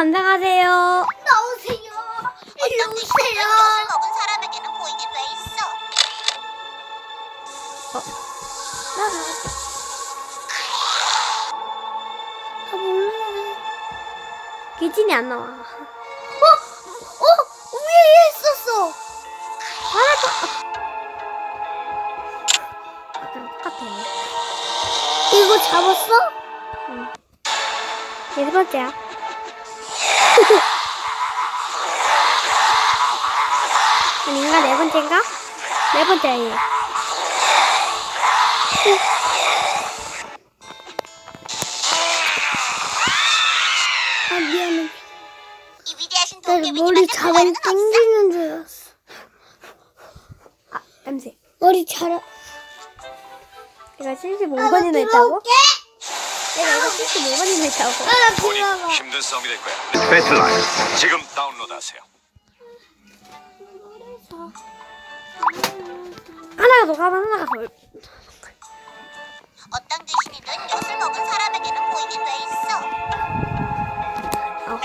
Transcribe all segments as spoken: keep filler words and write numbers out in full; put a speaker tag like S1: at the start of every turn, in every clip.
S1: 안녕하세요.
S2: 나오세요. 일로 오세요.
S3: 엿을 먹은 사람에게는 보이게 돼 있어.
S1: 어.
S2: 아 몰라.
S1: 귀진이 안 나와.
S2: 어? 어? 위에 있었어.
S1: 알았어. 아까랑 똑같아.
S2: 이거 잡았어?
S1: 응. 네 번째야. 아닌가? 네 번째인가? 네 번째야, 얘.
S2: 아 미안해.
S3: 이 위대하신
S2: 나 머리
S3: 도깨비님한테
S2: 자랑
S3: 불가능은 없어.
S2: 땡기는 줄 알았어.
S1: 아, 냄새.
S2: 머리 자랑.
S1: 내가 칠십오 번이나 했다고?
S2: 들어올게.
S1: 내가 이거 칠십오 번이나 했다고?
S2: 아
S4: 본인
S2: 들어가.
S4: 힘든 싸움이 될 거야. 배틀라인 지금 다운로드하세요.
S1: 하나가 녹아면 하나가 덜.
S3: 어떤 귀신이든 엿을 먹은 사람에게는 보이게 돼 있어.
S1: 아,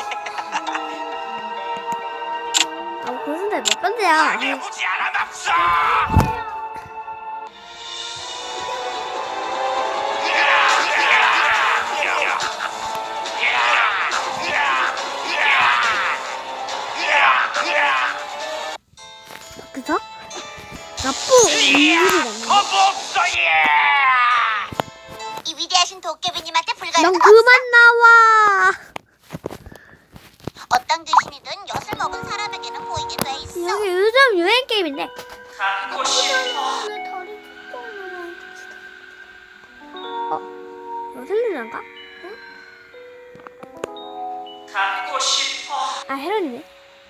S1: 아 무슨 데몇 번째야?
S4: 보지 않아답소.
S1: 그래서 나쁜 일이라는.
S3: 이 위대하신 도깨비님한테
S1: 넌
S3: 불가능은
S1: 그만
S3: 없어.
S1: 나와.
S3: 어떤 귀신이든 엿을 먹은 사람에게는 보이게 돼 있어.
S1: 여기 요즘 유행 게임인데.
S2: 다리 찢어져.
S1: 어? 이거 틀리는가? 아 헤론이네.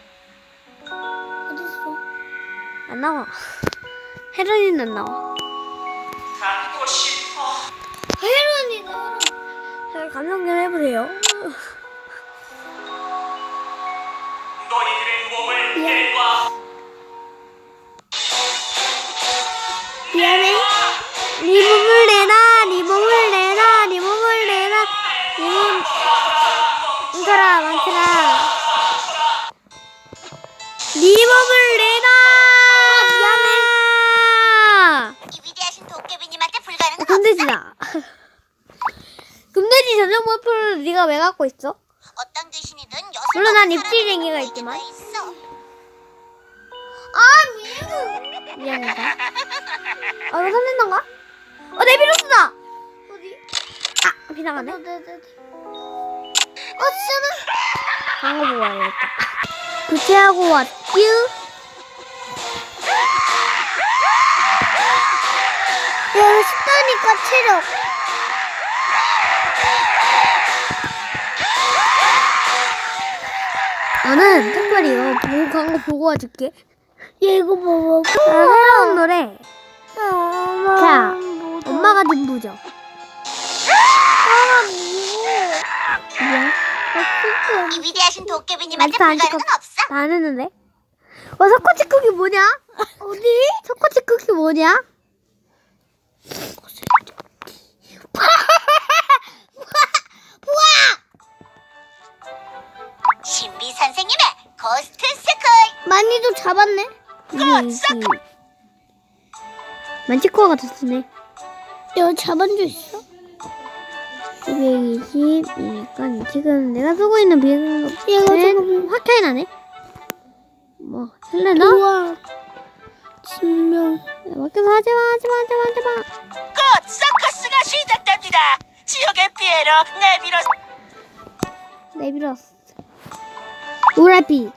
S2: 어딨어?
S1: 안 나와. 헤론이는 안 나와.
S2: 혜론이가.
S1: 자, 감상 좀 해보세요.
S2: 미안해.
S1: 네 몸을 내놔, 네 몸을 내놔, 네 몸을 내놔, 네 몸. 이거라, 망치라. 네 몸을 내놔. 미안해.
S3: 이 위대하신 도깨비님한테 불가능은 없어.
S1: 금돼지다. 금돼지 전용 버프를 네가 왜 갖고 있어?
S3: 어떤 귀신이든 엿을
S1: 물론 난
S3: 먹은
S1: 입질쟁이가
S3: 사람에게는
S1: 있지만.
S3: 보이게 돼 있어.
S2: 아 미안해.
S1: 미안하다. 아, 이거 살린단가? 어, 네비루스다!
S2: 어디?
S1: 아, 비나가네.
S2: 네네네. 어 진짜는?
S1: 광고 보고 와야겠다. 구체하고 왔쥬?
S2: 야 쉽다니까 체력.
S1: 나는 특별히 이거 보고 광고 보고 와줄게.
S2: 얘 이거 봐봐.
S1: 아, 새로운 노래.
S2: 엄마.
S1: 자, 엄마가 dim부죠.
S2: 아
S1: 미안.
S3: 이 위대하신 도깨비님한테
S1: 말도 안
S3: 불가능은
S1: 듣고
S3: 없어.
S1: 다 안 했는데? 어, 석고치 쿠키 뭐냐?
S2: 어디?
S1: 석고치 쿠키 뭐냐?
S3: 신비 선생님의 고스트 스쿨.
S2: 많이도 잡았네.
S1: 이게 이게 만치코어가 더 쓰네.
S2: 야 잡은 줄 있어?
S1: 이백이십이니까 지금 내가 쓰고 있는 비행은
S2: 얘가 조금
S1: 확 차이 나네. 뭐 설레나?
S2: 우와. 진명.
S1: 밖에서 하지마 하지마 하지마 하지마.
S3: 곧 서커스가 시작됩니다. 지옥의 피해로 내밀어.
S1: 내밀었어. 우라비.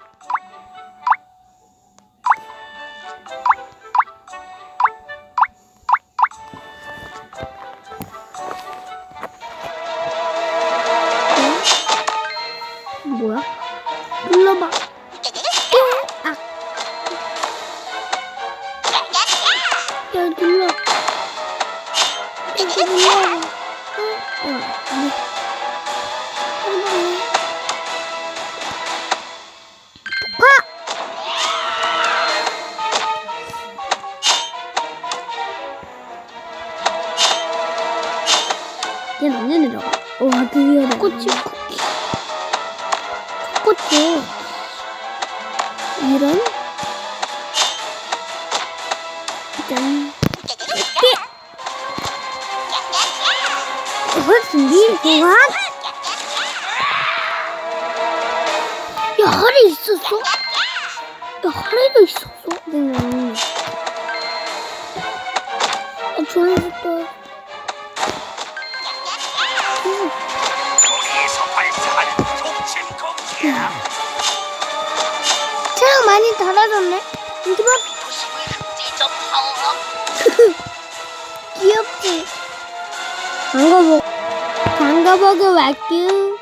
S1: 뭐야?
S2: 눌러봐.
S1: 아,
S2: 야 눌러. 이거 눌러봐.
S1: 어, 얘는 언제 내려가? 와, 드디어 내려가.
S2: 꽃이. 바꿨죠. 이런. 짠.
S1: 이걸 준비 보완.
S2: 야, 하리 있었어? 야, 하리도 있었어?
S1: 음.
S2: 아, 좋아했다.
S4: 여기서 발사하는 독침 공기야.
S2: 체력 많이 달아졌네. 이거 봐.
S3: 도심을 흡지 좀 하오.
S2: 귀엽지?
S1: 방가복 방가복을 왔규.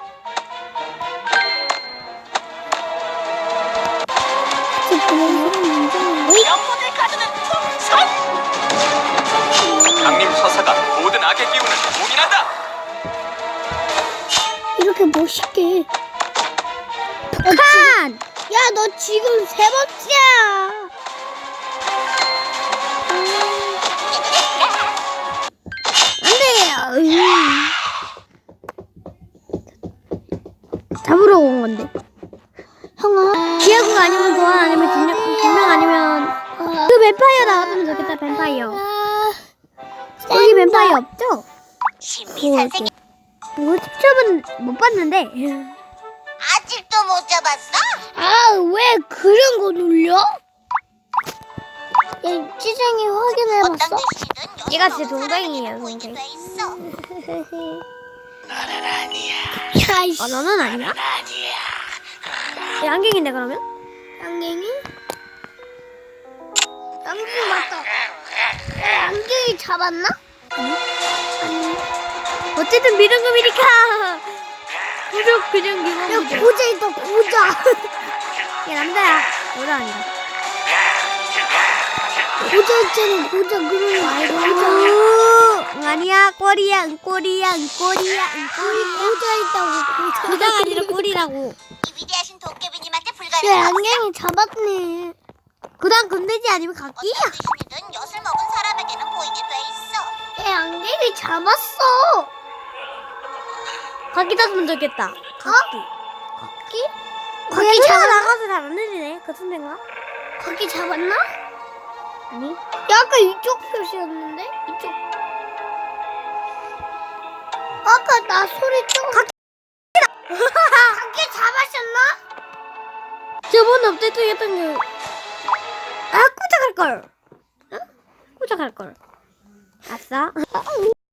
S3: 영혼을 가두는 풍선.
S4: 강림 서사가 모든 악의 기운을 봉인한다.
S2: 이렇게 멋있게.
S1: 칸.
S2: 야, 너 지금 세 번째야.
S1: 안돼. 잡으러 온 건데.
S2: 형아.
S1: 기아국 아니면 도안 아니면 진명 진명 아니면 그 뱀파이어 나왔으면 좋겠다. 뱀파이어. 여기 뱀파이어 없죠?
S3: 신비 선생님
S1: 뭐 직접은 못 봤는데.
S3: 아직도 못 잡았어?
S2: 아, 왜 그런 거 눌려? 야, 찌쟁이 확인해봤어?
S3: 어떤 귀신이든
S1: 얘가
S3: 요술
S1: 진짜
S3: 먹은
S1: 동생이에요,
S3: 사람에게는 보이게
S1: 동생.
S3: 돼 있어.
S2: 야, 이씨.
S1: 아 너는 아니야? 얘 안경인데 그러면?
S2: 양갱이? 양갱이 맞다. 야, 양갱이 잡았나?
S1: 어쨌든 미르금이니까 구독 그냥
S2: 야,
S1: 기본.
S2: 고자 있다, 고자.
S1: 얘 남자야. 여자 아니야.
S2: 고자 있잖아, 고자. 그런 거 알고.
S1: 응, 아니야. 꼬리야. 은꼬리야. 은꼬리야.
S2: 우리
S1: 은꼬리야.
S2: 고자 있다고, 고자.
S1: 고자가 아니라 꼬리라고.
S3: 이 위대하신 도깨비님한테
S2: 야,
S3: 불가능한
S2: 양갱이 잡았네.
S1: 그 다음 금돼지 아니면
S3: 어떤
S1: 각기야.
S3: 귀신이든 엿을 먹은 사람에게는 보이게 돼 있어.
S2: 야, 양갱이 잡았어.
S1: 각기 땄으면 좋겠다. 각기.
S2: 각기?
S1: 각기
S2: 각기
S1: 차가
S2: 잡았나?
S1: 나가서 잘 안 들리네. 그 선생가?
S2: 각기 잡았나?
S1: 아니.
S2: 야, 아까 이쪽 표시였는데? 이쪽. 아까 나 소리 좀. 각기! 각기 잡았었나?
S1: 저번 업데이트 했던 게. 아, 꾸작할 걸. 응? 꾸작할 걸. 아싸.